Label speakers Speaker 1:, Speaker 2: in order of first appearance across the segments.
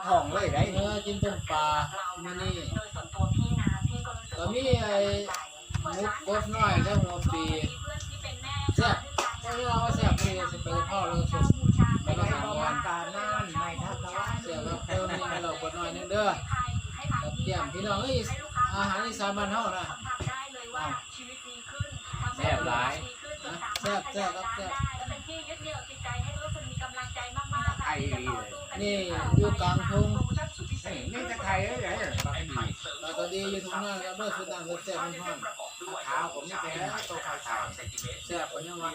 Speaker 1: ของเลยได้
Speaker 2: กินต้มปลามื้อนี้ก็มีไอ้มุกกบน้อยแล้วหัวปีแซ่บเราแซ่บนี่สิไปทอดแล้วสุกแล้วก็ทำงานการนั่นไม่ทับแล้วเสียกับเพิ่มนี่ให้เรากดน้อยนึงเด้อกับแก้มพี่น้องเอ้ยอาหารอีสานบ้านเฮานะ
Speaker 1: แซ่บหลาย
Speaker 2: แซ่บครับแซ่บ
Speaker 1: ไอ้เลย
Speaker 2: นี่อยู่กลางทุ่ง
Speaker 1: นี่จะไทยได้ไง
Speaker 2: แล้วก็ดีอยู่ทุ่งนาแล้วเด้อสุดน้ำแซ่บมันฮ้อน
Speaker 1: ขาวผมนี่แพ้ตัวขาว
Speaker 2: แซ่บกว่ายังวะ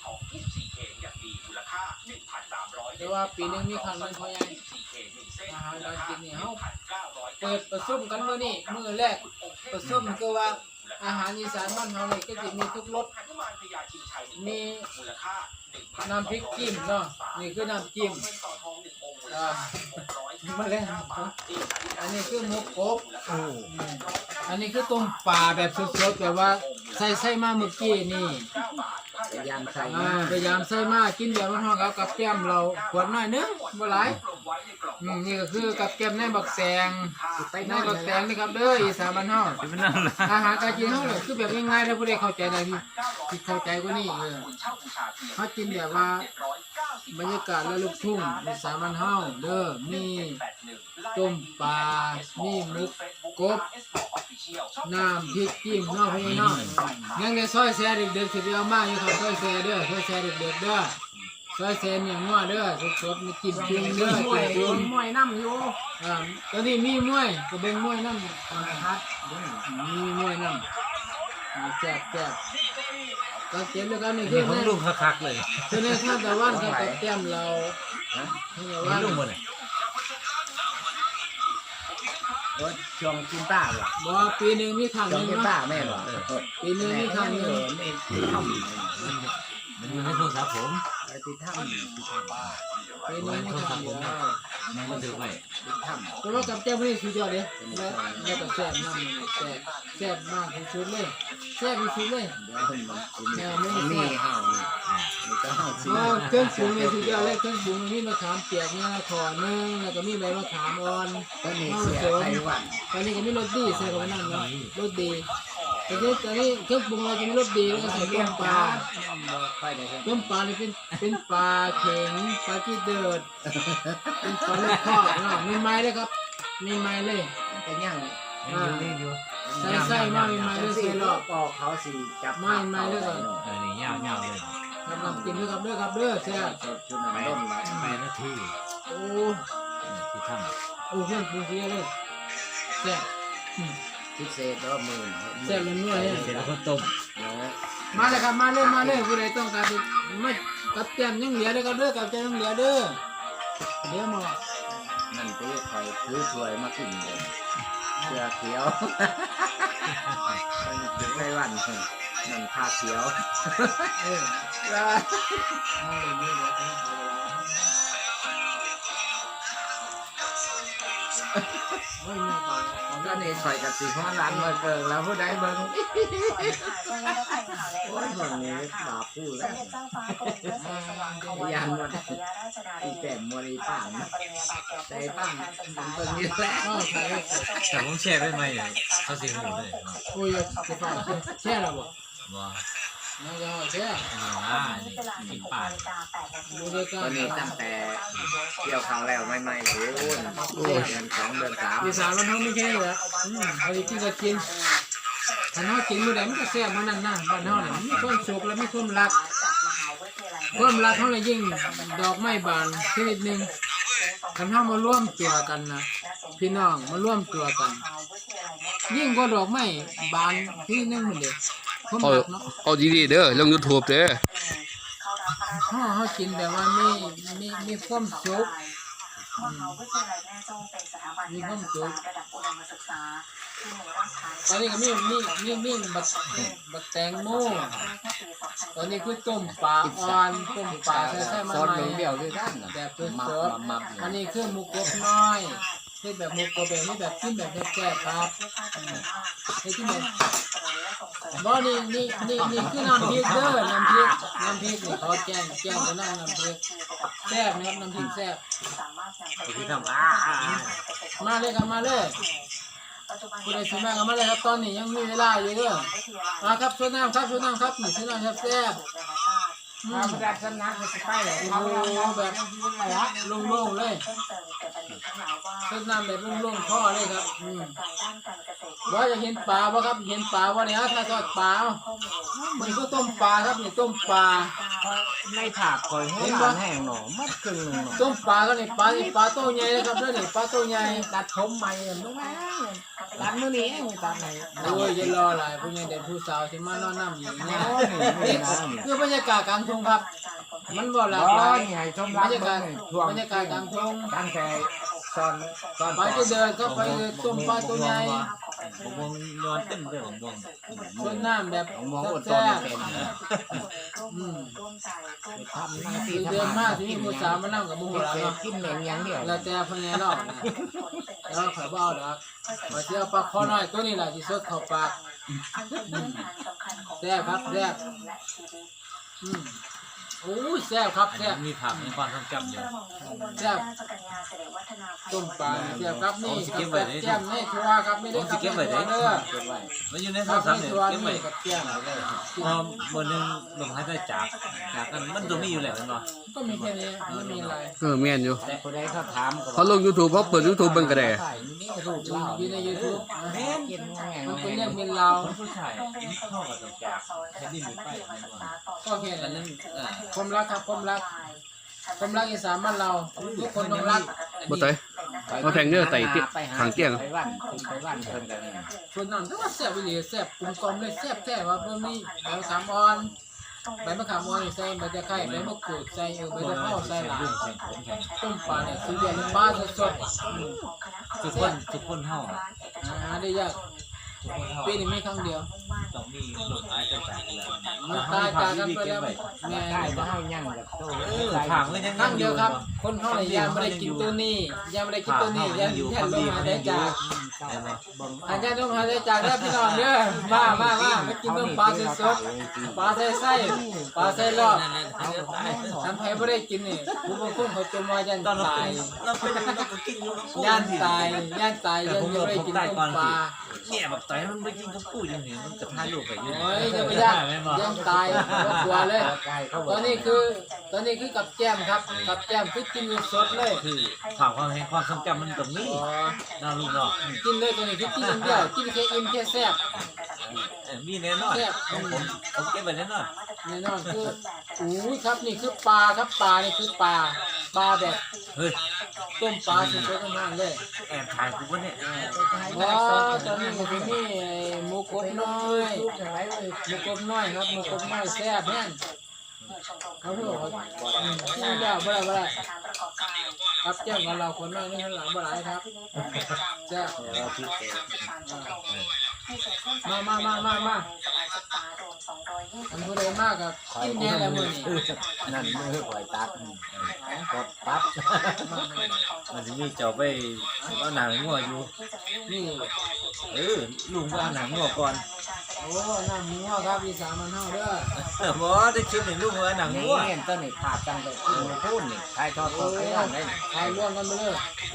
Speaker 2: แต่ว่าปีนึงมีครั้งนึงพอใหญ่อาหารการกินนี่เฮาเปิดประชุมกันมื้อนี้มื้อแรกประชุมคือว่าอาหารอีสานบ้านเฮานี่ก็สิมีทุกรสมีน้ำพริกจิ้มเนาะนี่คือน้ำจิ้มมาแล้วอันนี้คือหมูกบอันนี้คือต้มปลาแบบสดๆแบบว่าใส่มาเมื่อกี้นี่
Speaker 1: พยายามใส่
Speaker 2: มากินแบบมันฮ้อนกับแก้มเราขวดน้อยนึงบ่หลายนี่ก็คือกับแก้มในบักแตงนี่ครับเด้ออีสานบ้านเฮาอาหารการกินเฮาเนี่ยคือแบบง่ายๆแล้วผู้ใดเข้าใจได้พี่เข้าใจกว่านี้เฮากินแบบว่าบรรยากาศและลูกทุ่งอีสานบ้านเฮาเด้อมีต้มปลามีหมึกกบน้ำพริกจิ้มเนาะพี่น้องยังได้ซอยแซ่เด็กๆสิไปเอามาอยู่ครับซอยแซ่เด้อซอยแซ่เด็กๆเด้อซอยแซ่เนี่ยงัวเด้อสดๆมีจิ้มจุ่มเด้อจิ้มจุ่ม
Speaker 1: มวยน้ำอยู่
Speaker 2: ตอนนี้มีมวยก็เบิ่งมวยน้ำฮัดมีมวยน้ำแซ่บก็เจ็บแล้วกันนี่คือ
Speaker 3: ของลุงคักๆเลย
Speaker 2: คือในท่าตะวันกับแก้มเรา
Speaker 3: นี่ลุงบ่เนี่ย
Speaker 1: ช่วงกินป้าเหรอ
Speaker 2: บ่ปีนึงมีครั้งนึง
Speaker 1: กินป้าแม่เหรอ
Speaker 2: ปีนึงมีครั้งนึง
Speaker 3: มันอยู่ในโทรศัพท์ผม
Speaker 1: ไปติดถ้ำ
Speaker 2: ปีนึงมีครั้งนึง
Speaker 3: มันบันทึกไว้
Speaker 1: ติดถ้ำ
Speaker 2: แต่ว่ากับแก้มนี่สุดยอดเลยแล้วก็แซ่บน้ำแซ่บมากที่สุดเลยแซ่บที่สุดเลย
Speaker 1: เดี๋ยวมันมีเห่านี่ก็เห่าสิ
Speaker 2: เครื่องปรุงนี่สุดยอดเลยเครื่องปรุงมีมะขามเปียกนี่ขอนึงแล้วก็มีใบมะขามอ่อน
Speaker 1: ก็มีเสียไต้หวัน
Speaker 2: ตอนนี้ก็มีรสดีใส่เข้าไปนั่นเนาะรสดีตอนนี้เครื่องปรุงเราจะมีรสดีแล้วก็ใส่ต้มปลาต้มปลานี่เป็นปลาเข็งปลาที่เดือดเป็นปลาลูกคอกเนาะมีไม้เลยครับมีไม้เลย
Speaker 1: แต่ยัง
Speaker 3: อยู่
Speaker 2: ใส่มามีไม้เลยใส่หลอก
Speaker 1: ปอกเขาสิจับ
Speaker 2: ไม้เลยก่อน
Speaker 3: นี่ยาวเลย
Speaker 2: กำลังกินด้วยครับแซ่บ
Speaker 1: ชุดนั้นต้น
Speaker 3: ไปนาที
Speaker 2: โอ้
Speaker 3: ที่ทำ
Speaker 2: โอ้เพื่อนปูเสียเลยแซ่บ
Speaker 1: พิเศษแล้วมือ
Speaker 2: แซ่บเลยนัวเลย
Speaker 3: เสร็จแล้วก็ต้ม
Speaker 2: มาเลยครับมาเลยผู้ใดต้องการไม่กับแก้มยังเหลือเด้อครับเด้อกับแก้มยังเหลือเด้อเดี๋ยวมา
Speaker 1: นั่นที่คอยถือถ้วยมากินเลยเสือเขียวถึงไต้หวันนั่นผ้าเขียวก็นี่ใส่กับสีฟ้าร้านมาเกิงแล้วผู้ใดเบิ้งโอ้ยคนนี้บาปูแล้วยันวันที่แจ่มมวยป่านใจป่านตรงนี้แหละ
Speaker 3: แต่ผมแช่ได้ไหมเขาสิหูเลย
Speaker 2: โอ้ยจะป่าแช่แล้วบ่
Speaker 3: บ่
Speaker 2: น่าจะแช่
Speaker 3: กินป่า
Speaker 1: ตอนนี้ตั้งแต่เกี่ยวข้าวแล้วไม่โอ้ยเดือน2เดือน3
Speaker 2: อีสานมันเฮาไม่แค่เลยเอาดิกินก็กินถ้าเฮากินมื้อใดมันก็แซ่บมื้อนั้นนะบ้านเฮาเนี่ยมีความสุขและมีความรักเฮาเลยยิ่งดอกไม้บานชนิดนึงคันเฮามาร่วมตัวกันนะพี่น้องมาร่วมตัวกันยิ่งกว่าดอกไม้บานที่นึงมื้อเด้
Speaker 4: เอาดีๆเด้อลง YouTube เด้อ
Speaker 2: เฮากินแบบว่ามีความสุขมีความสุขตอนนี้ก็มีบักแตงโมตอนนี้คือต้มปลาอ่อนต้มปลาใส่มาใหม่แบบสดอันนี้คือหมูกรอบน้อยที่แบบหมูกรอบแบบนี้แบบกินแบบแซ่บครับให้กินแบบบ่นี่คือน้ำพริกเด้อน้ำพริกนี่เขาแจ้งไปน้ำพริกแซ่บนะครับน้ำพริกแซ่บ
Speaker 3: ที่ทำ
Speaker 2: มาเลยครับมาเลยผู้ใดซื้อมาก็มาเลยครับตอนนี้ยังมีเวลาอยู่เด้อมาครับช่วยน้ำครับช่วยน้ำครับนี่ช่วยน้ำแซ่บมาประดับสำนักจะไปเลยโอ้แบบโล่งๆเลยช่วยน้ำแบบโล่งๆพ่อเลยครับว่าจะเห็นปลาป่ะครับเห็นปลาว่าเนี่ยถ้าทอดปลามันก็ต้มปลาครับนี่ต้มปลาในถาดคอยให้ร้านแห้งหน่อมัดครึ่งหน่อต้มปลาก็นี่ปลาโตใหญ่นะครับเด้อนี่ปลาโตใหญ่ตัดผมใหม่น้องแม่ตัดมื้อนี้ตัดไหนโอ้ยจะรอหลายผู้ใหญ่เด็กผู้สาวที่มานอนน้ำอยู่นี่คือบรรยากาศกลางทุ่งครับมันบ่หลากหลายบรรยากาศกลางทุ่งตั้งแต่ไปจะเดินก็ไปต้มปลาตัวใหญ่
Speaker 3: ผมมองนอนเต็มเลยผมมอง
Speaker 2: ต้นน้ำแบบแซ่บเดินมากที่ผู้สาวมานั่งกับหมู่เราเนาะกินเหม็นอย่างเดียวแล้วแต่พญานาคแล้วขอยบ่เอาดอกมาเที่ยวปลาคอน้อยตัวนี้แหละที่สดเข้าปากแซ่บครับแซ่บโอ้ยแซ่บครับแซ่บ
Speaker 3: มีผักมีความทรงจำอยู่
Speaker 2: แซ่บต้มปลาแซ่บครับนี่กับแจ่มนี่ทัวครับไม่ได้กับทัวเด้อ
Speaker 3: มันอยู่ใน
Speaker 2: ค
Speaker 3: โท
Speaker 2: รั
Speaker 3: ร
Speaker 2: บ
Speaker 3: ศัพท์
Speaker 2: นี่
Speaker 3: เนี่ย
Speaker 2: ทัว
Speaker 3: เก็บไว้
Speaker 2: นี่กับแจ่ม
Speaker 3: พอวันนึงลมหายใจจากกันมันตัวไม่อยู่แล้วเนาะ
Speaker 2: ก็มีแค่นี้ไม่มีอะไร
Speaker 4: แม่นอยู่
Speaker 1: แต่คนใดเขาถามก็
Speaker 4: เขาลง YouTube เขาเปิด YouTube เบิ่งก็ได้
Speaker 1: นี่รูปเล่า
Speaker 2: อยู่ใน YouTube
Speaker 1: แม่กินแม่ง
Speaker 2: มันเป็นเรื่องเป็นราว
Speaker 3: ผู้ชายเข้ากับตัวจากแค่ดินไป
Speaker 2: ก็แค่
Speaker 3: อัน
Speaker 2: นั้
Speaker 3: นั้น น
Speaker 2: ความรักครับความรักอีสานบ้านเราทุกคนต้องรัก
Speaker 4: บ่เตยมาแทงเด้อไต่ทางเตียง
Speaker 1: ไปบ้านเพิ่นกัน
Speaker 2: ส่วนนั้นถ้าว่าแซ่บวิลีแซ่บกลมกลมเลยแซ่บแท้ว่าเพิ่มนี่ใบมะขามอ่อนใบมะขามอ่อนใส่ใบตะไคร้ใบมะกรูดใส่ใบตะเภาใส่หลายต้มปลาเนี่ยคือเดือดปลาสด
Speaker 3: ทุกคนเท่า
Speaker 2: หาได้ยากปีนี้มีครั้งเดียว
Speaker 3: ต้องมีลมหายใจจากแล้ว
Speaker 2: มันตายจากกันไปแล้วแม่
Speaker 1: ได้บ่ให้ยั่งกับโต
Speaker 3: ถามก็ยัง
Speaker 2: ครั้งเดียวครับ คนเขาเลยยังไม่ได้กินตัวนี้ยังไม่ได้กินตัวนี้ยังแค่ลมหายใจจากอาจารย์ลมหายใจจากแล้วพี่น้องเด้อมากินต้มปลาสดปลาใส่ไส้ปลาใส่รอดทำให้ไม่ได้กินนี่ผู้บางคนเขาจมว่ายัน
Speaker 3: ตอนเรา
Speaker 2: ตาย
Speaker 3: เราไปดูเราก็กินอยู่
Speaker 2: ย่านตายยันไม่ได้กินต้มปลา
Speaker 3: เนี่ยแบบตายมันไม่กินกับกูอย่างนี้มันจะพาลูกไปอยู่
Speaker 2: โอ้ยจะไปย่างตายก็กลัวเลยตอนนี้คือกับแก้มครับกับแก้มคือกินสดเลย
Speaker 3: คือถามความเห็นความทรงจำมันตรงนี้น่าลูกเนาะ
Speaker 2: กินเลยตัวนี้คือกินอย่างเดียวกินแค่อิ่มแค่แซ่บ
Speaker 3: มีแน่นอนผมเก็บไปแน่นอน
Speaker 2: แน่นอนคืออู้ครับนี่คือปลาครับปลานี่คือปลาแบบ
Speaker 3: เฮ้ย
Speaker 2: ต้มปลาสดๆมากเลย
Speaker 3: แอบถ่ายกูวะเนี่ย
Speaker 2: ว้าตอนนี้มันมีหมูกรอบน้อยหมูกรอบน้อยครับหมูกรอบน้อยแซ่บแน่นเขาพูดว่านี่แล้วบ่ได้ครับแจ้งกับเราคนน้อยนี่ข้างหลังบ่ได้ครับแซ่บมาอันผู้ใดมากกับกินแน่แล้วมื้อนี้
Speaker 1: นั่นมือปล่อยตัดกดปั๊บ
Speaker 3: มันจะมีเจ้าไปเอาหนังงัวอยู่
Speaker 2: นี่
Speaker 3: ลุงก็เอาหนังงัวก่อน
Speaker 2: โอ้น้ำหมูครับอีสานมันเฮาเด้อ
Speaker 3: บ่ได้คลิปหนึ่งลุงเอาหนัง
Speaker 1: นี่
Speaker 3: งัว
Speaker 1: เห็นต้นนี่ขาดกันเลยพูดนี่ใครทอดตัวไปย่างได้
Speaker 2: ทายร่วมกันไปเลย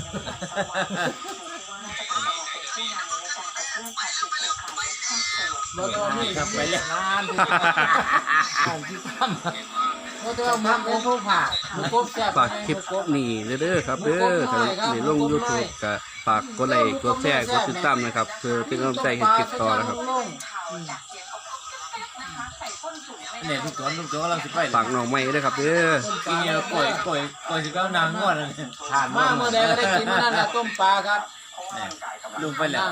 Speaker 2: บ่ต้องมี
Speaker 3: ครับไปเลย
Speaker 1: งานที่ทำ
Speaker 2: บ่ต้องมาเป็นผู้ผ่าหมูกรอบแซ่บ
Speaker 4: ฝากคลิปนี้เด้อครับเด้อถ้าได้ลง YouTube ก็ฝากกดไลค์กดแชร์กดติดตามนะครับเพื่อเป็นกำลังใจให้คลิปต่อนะครับ
Speaker 3: เนี่ยทุกคนกำลังสิไป
Speaker 4: ฝากน้องใหม่ด้วยครับเด้อ
Speaker 3: กินเนี่ยก่อยสิก็เอาหนังงัวนั่นทาน
Speaker 2: มาเมื่อใดก็ได้กินนั่นแหละต้มปลาครับ
Speaker 3: ลุงไปแล้ว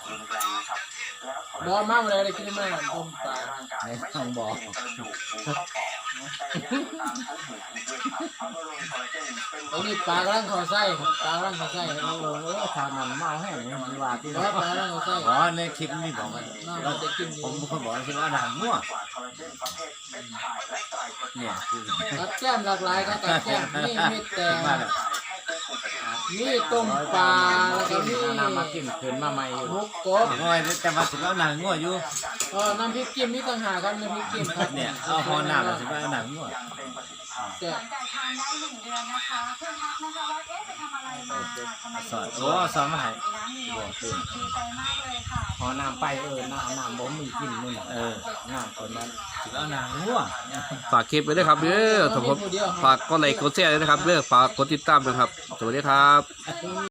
Speaker 2: บ่มาเมื่อใดก็ได้กินนั่นแหละต้มปลา
Speaker 1: ในห้องบอก
Speaker 2: ตอนนี้ปลากำลังเข้าไส้ปลากำลังเข้าไส้
Speaker 1: โอ้โหชาวนั้นเมาแห้งนี่มันว่าที่
Speaker 2: แล้วปลากำลังเข้าไส้
Speaker 3: อ๋อในคลิปนี้บอกว่าเราจะกินผมคนบอกว่าสิว่าหนังงัวเนี่ยคือ
Speaker 2: กับแก้มหลากหลายครับกับแก้มนี่มีแต่
Speaker 3: มาแล้ว
Speaker 2: มีต้มปลาแล้วก็มี
Speaker 1: นำมากินคืนมาใหม่อยู่
Speaker 2: หมูกรอบ
Speaker 3: ง่อยแต่มาสิว่าหนังงัวอยู่
Speaker 2: น้ำพริกจิ้มมีต่างหากครับน้ำพริกจิ้มครับ
Speaker 3: เนี่ยเอาหอหนังสิว่าหนังงัว
Speaker 2: แซ่บ
Speaker 3: สอนโอ้สอนมาให้
Speaker 1: พอน้ำไปน้ำบ่มีกินมื้อ น้ำคนนั้น
Speaker 3: สิเอานางงัว
Speaker 4: ฝากคลิปไว้ด้วยครับเด้อถ้าผมฝากกดไลค์กดแชร์ด้วยนะครับเด้อฝากกดติดตามนะครับสวัสดีครับ